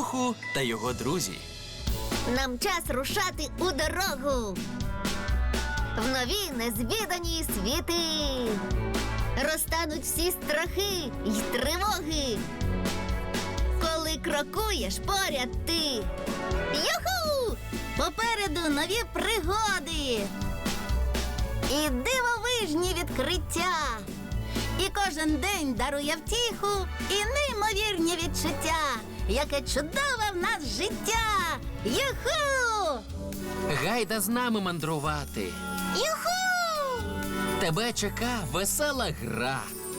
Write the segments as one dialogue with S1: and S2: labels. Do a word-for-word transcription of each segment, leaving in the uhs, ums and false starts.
S1: Юху та його друзі.
S2: Нам час рушати у дорогу. В нові незвідані світи. Розтануть всі страхи й тривоги. Коли крокуєш поряд ти. Юху! Попереду нові пригоди. І дивовижні відкриття. І кожен день дарує втіху і неймовірні відчуття. Яке чудове в нас життя! Юху!
S1: Гайда з нами мандрувати.
S2: Юху!
S1: Тебе чека весела гра.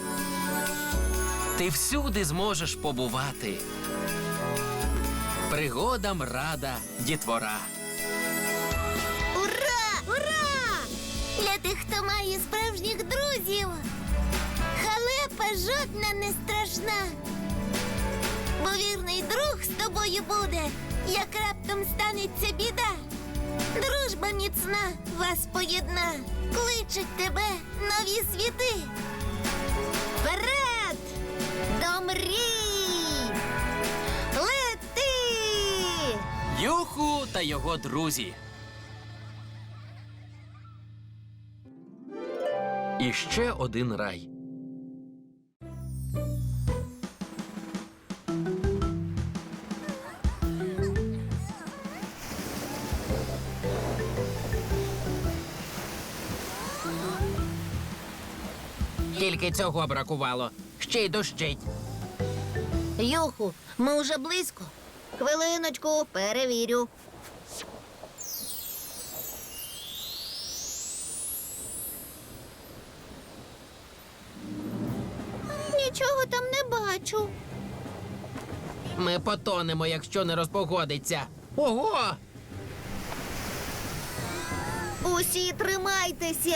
S1: Ти всюди зможеш побувати. Пригодам рада дітвора.
S2: Ура! Ура! Для тих, хто має справжніх друзів. Халепа жодна не страшна. Бо вірний друг з тобою буде, як раптом станеться біда. Дружба міцна вас поєдна, кличуть тебе нові світи. Вперед! До мрій! Лети!
S1: Юху та його друзі. І ще один рай.
S3: Тільки цього бракувало. Ще й дощить.
S2: Юху, ми уже близько. Хвилиночку, перевірю. Нічого там не бачу.
S3: Ми потонемо, якщо не розпогодиться. Ого!
S2: Усі тримайтеся.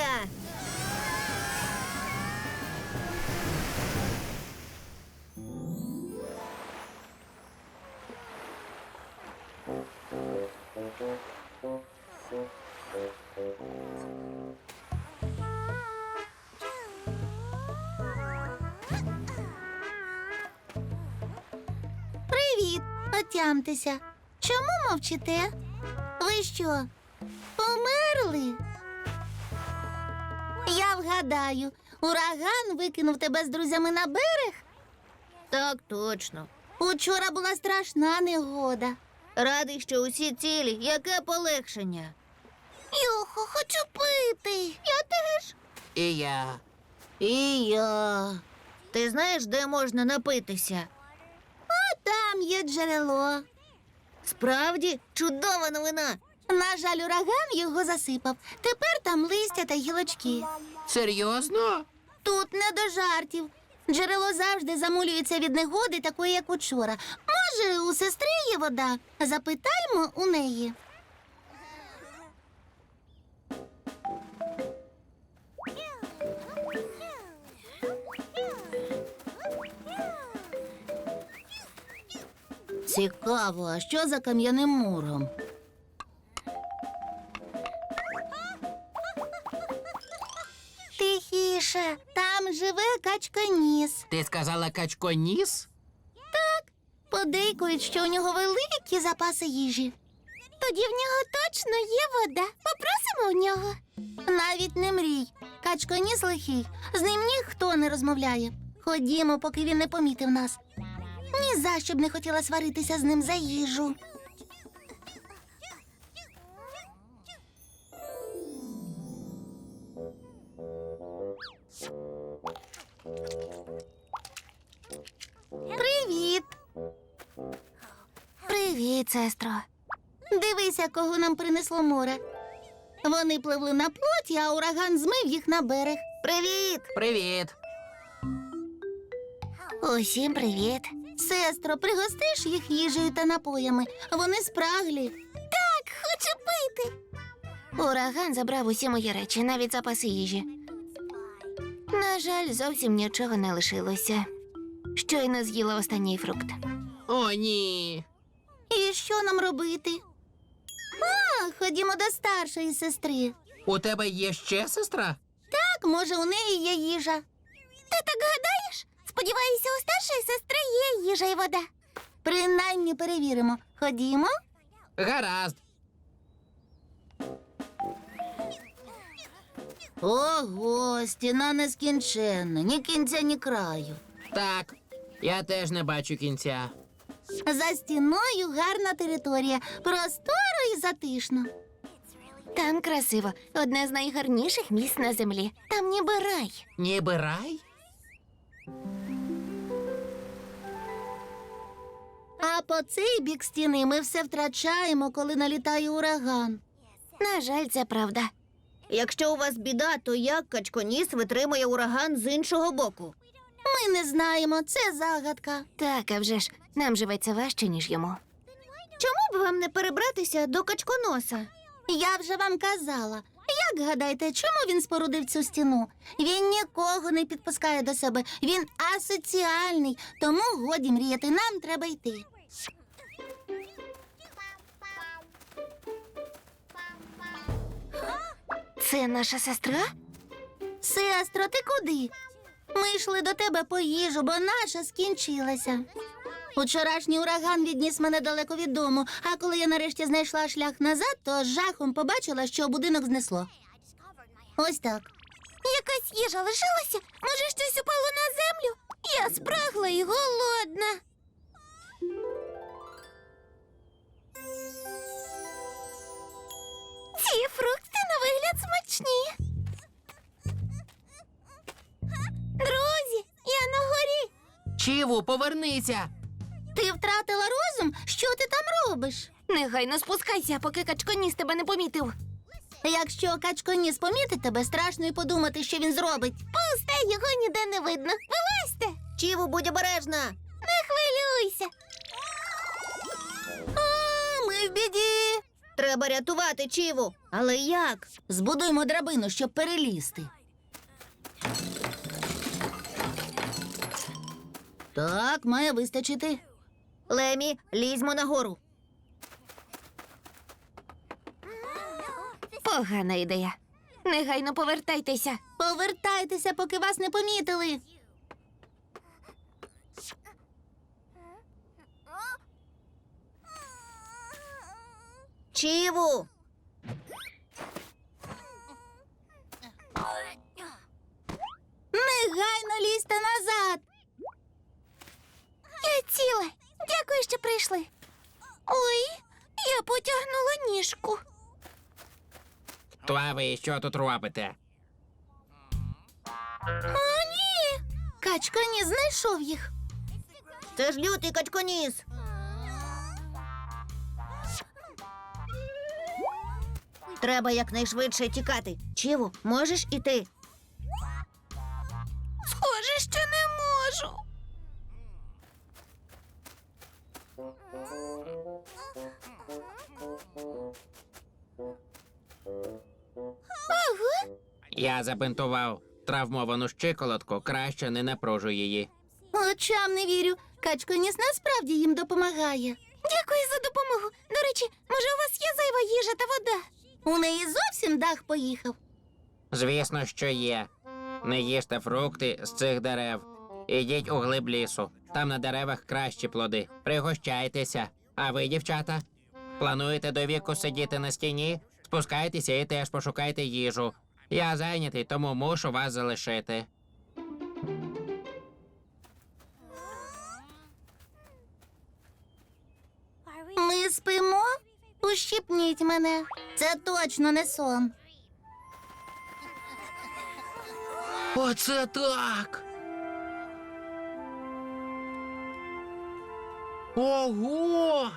S2: Привіт, отямтеся. Чому мовчите? Ви що, померли? Я вгадаю, ураган викинув тебе з друзями на берег? Так, точно. Учора була страшна негода. Радий, що усі цілі. Яке полегшення. Юхо, хочу пити. Я теж.
S3: І я.
S2: І я. Ти знаєш, де можна напитися? А там є джерело. Справді, чудова новина. На жаль, ураган його засипав. Тепер там листя та гілочки.
S3: Серйозно?
S2: Тут не до жартів. Джерело завжди замулюється від негоди, такої, як учора. Може, у сестри є вода? Запитаймо у неї. Цікаво, а що за кам'яним муром? Тихіше, там живе качконіс.
S3: Ти сказала качконіс?
S2: Подейкують, що у нього великі запаси їжі. Тоді в нього точно є вода. Попросимо у нього. Навіть не мрій. Качконіс лихий. З ним ніхто не розмовляє. Ходімо, поки він не помітив нас. Ні за що б не хотіла сваритися з ним за їжу. Привіт. Привіт, сестро. Дивися, кого нам принесло море. Вони пливли на плоті, а ураган змив їх на берег. Привіт!
S3: Привіт.
S2: Усім привіт. Сестро, пригостиш їх їжею та напоями. Вони спраглі. Так, хочу пити. Ураган забрав усі мої речі, навіть запаси їжі. На жаль, зовсім нічого не лишилося. Щойно з'їла останній фрукт.
S3: О, ні.
S2: І що нам робити? А, ходімо до старшої сестри.
S3: У тебе є ще сестра?
S2: Так, може, у неї є їжа. Ти так гадаєш? Сподіваюся, у старшої сестри є їжа і вода. Принаймні перевіримо. Ходімо.
S3: Гаразд.
S2: Ого, стіна нескінченна, ні кінця, ні краю.
S3: Так, я теж не бачу кінця.
S2: За стіною гарна територія, просторо і затишно. Там красиво, одне з найгарніших місць на землі. Там ніби рай.
S3: Ніби рай?
S2: А по цей бік стіни ми все втрачаємо, коли налітає ураган. На жаль, це правда.
S4: Якщо у вас біда, то як качконіс витримує ураган з іншого боку?
S2: Ми не знаємо, це загадка. Так, а вже ж, нам живеться важче, ніж йому.
S4: Чому б вам не перебратися до качконоса?
S2: Я вже вам казала. Як гадаєте, чому він спорудив цю стіну? Він нікого не підпускає до себе. Він асоціальний, тому годі мріяти, нам треба йти. Це наша сестра? Сестро, ти куди? Ми йшли до тебе по їжу, бо наша скінчилася. Учорашній ураган відніс мене далеко від дому, а коли я нарешті знайшла шлях назад, то з жахом побачила, що будинок знесло. Ось так. Якась їжа лишилася? Може, щось упало на землю? Я спрагла і голодна. Ці фрукти на вигляд смачні. Друзі, я на горі.
S3: Чіву, повернися!
S2: Ти втратила розум? Що ти там робиш? Негайно спускайся, поки качконіс тебе не помітив. Якщо качконіс помітить тебе, страшно й подумати, що він зробить. Пусте, його ніде не видно. Вилазьте!
S4: Чіву, будь обережна!
S2: Не хвилюйся. О, ми в біді.
S4: Треба рятувати Чіву. Але як?
S2: Збудуємо драбину, щоб перелізти. Так, має вистачити.
S4: Лемі, лізьмо нагору.
S2: Погана ідея. Негайно повертайтеся. Повертайтеся, поки вас не помітили.
S4: Чіву!
S2: Негайно лізьте назад. Я ціла. Дякую, що прийшли. Ой, я потягнула ніжку.
S3: То а ви що тут робите?
S2: О, ні. Качконіс знайшов їх.
S4: Це ж лютий качконіс. Треба якнайшвидше тікати. Чіву, можеш іти?
S2: Схоже, що не можу. Ага.
S3: Я забинтував травмовану щиколотку, краще не напружу її.
S2: Очам не вірю. Качконіс насправді їм допомагає. Дякую за допомогу. До речі, може, у вас є зайва їжа та вода? У неї зовсім дах поїхав.
S3: Звісно, що є. Не їжте фрукти з цих дерев. Ідіть у глиб лісу. Там на деревах кращі плоди. Пригощайтеся. А ви, дівчата, плануєте до віку сидіти на стіні? Спускайтеся і теж пошукайте їжу. Я зайнятий, тому мушу вас залишити.
S2: Ми спимо? Ущипніть мене. Це точно не сон.
S3: Оце так. Ого!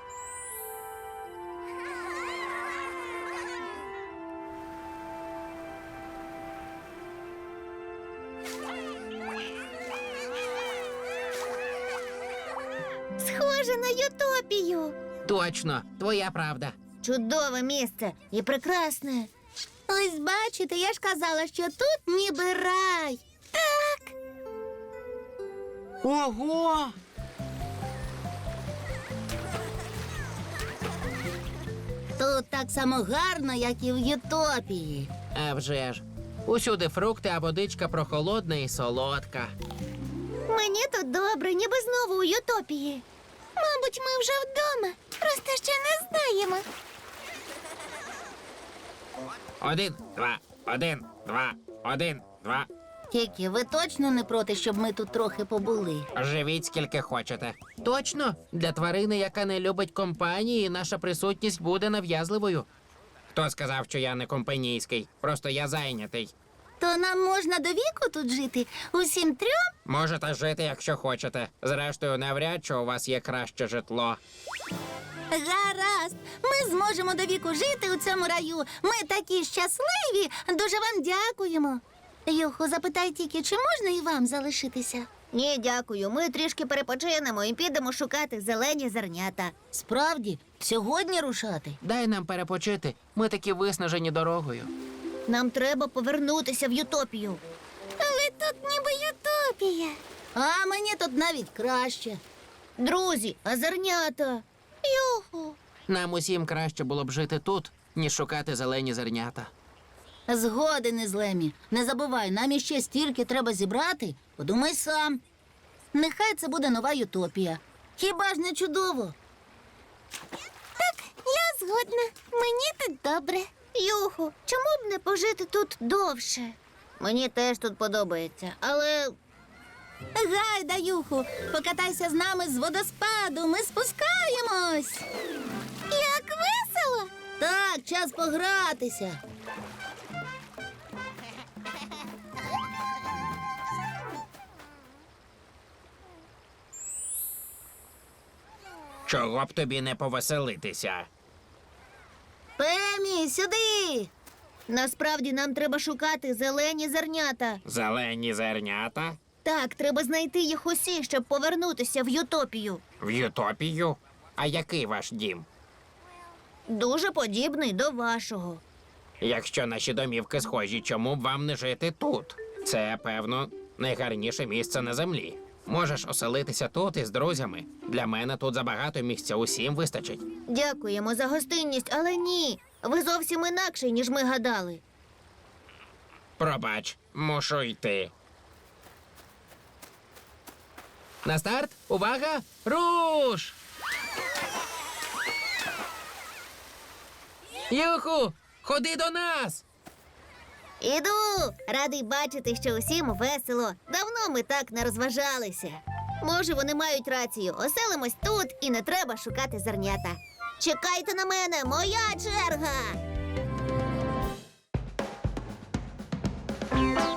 S2: Схоже на Ютопію.
S3: Точно, твоя правда.
S4: Чудове місце і прекрасне.
S2: Ось бачите, я ж казала, що тут ніби рай. Так.
S3: Ого!
S2: Тут так само гарно, як і в Ютопії.
S3: А вже ж. Усюди фрукти, а водичка прохолодна і солодка.
S4: Мені тут добре, ніби знову у Ютопії.
S2: Мабуть, ми вже вдома. Просто ще не знаємо.
S3: Один, два, один, два, один, два.
S4: Тільки ви точно не проти, щоб ми тут трохи побули?
S3: Живіть скільки хочете.
S1: Точно, для тварини, яка не любить компанії, наша присутність буде нав'язливою.
S3: Хто сказав, що я не компанійський? Просто я зайнятий.
S4: То нам можна до віку тут жити? Усім трьом?
S3: Можете жити, якщо хочете. Зрештою, навряд чи у вас є краще житло.
S4: Гаразд. Ми зможемо до віку жити у цьому раю. Ми такі щасливі. Дуже вам дякуємо. Юху, запитай тільки, чи можна і вам залишитися? Ні, дякую. Ми трішки перепочинемо і підемо шукати зелені зернята. Справді, сьогодні рушати?
S1: Дай нам перепочити. Ми такі виснажені дорогою.
S4: Нам треба повернутися в Ютопію.
S2: Але тут ніби ютопія.
S4: А мені тут навіть краще. Друзі, а зернята?
S2: Юху.
S1: Нам усім краще було б жити тут, ніж шукати зелені зернята.
S4: Згоден із Лемі. Не забувай, нам іще стільки треба зібрати. Подумай сам. Нехай це буде нова Ютопія. Хіба ж не чудово?
S2: Так, я згодна. Мені тут добре.
S4: Юху, чому б не пожити тут довше? Мені теж тут подобається, але. Гайда, Юху, покатайся з нами з водоспаду. Ми спускаємось.
S2: Як весело!
S4: Так, час погратися.
S3: Чого б тобі не повеселитися?
S4: Пемі, сюди. Насправді нам треба шукати зелені зернята.
S3: Зелені зернята?
S4: Так, треба знайти їх усі, щоб повернутися в Ютопію.
S3: В Ютопію? А який ваш дім?
S4: Дуже подібний до вашого.
S3: Якщо наші домівки схожі, чому б вам не жити тут? Це, певно, найгарніше місце на землі. Можеш оселитися тут із друзями. Для мене тут забагато місця, усім вистачить.
S4: Дякуємо за гостинність, але ні. Ви зовсім інакший, ніж ми гадали.
S3: Пробач, мушу йти.
S1: На старт, увага, руш! Юху, ходи до нас!
S4: Іду! Радий бачити, що усім весело. Давно ми так не розважалися. Може, вони мають рацію. Оселимось тут і не треба шукати зернята. Чекайте на мене, моя черга!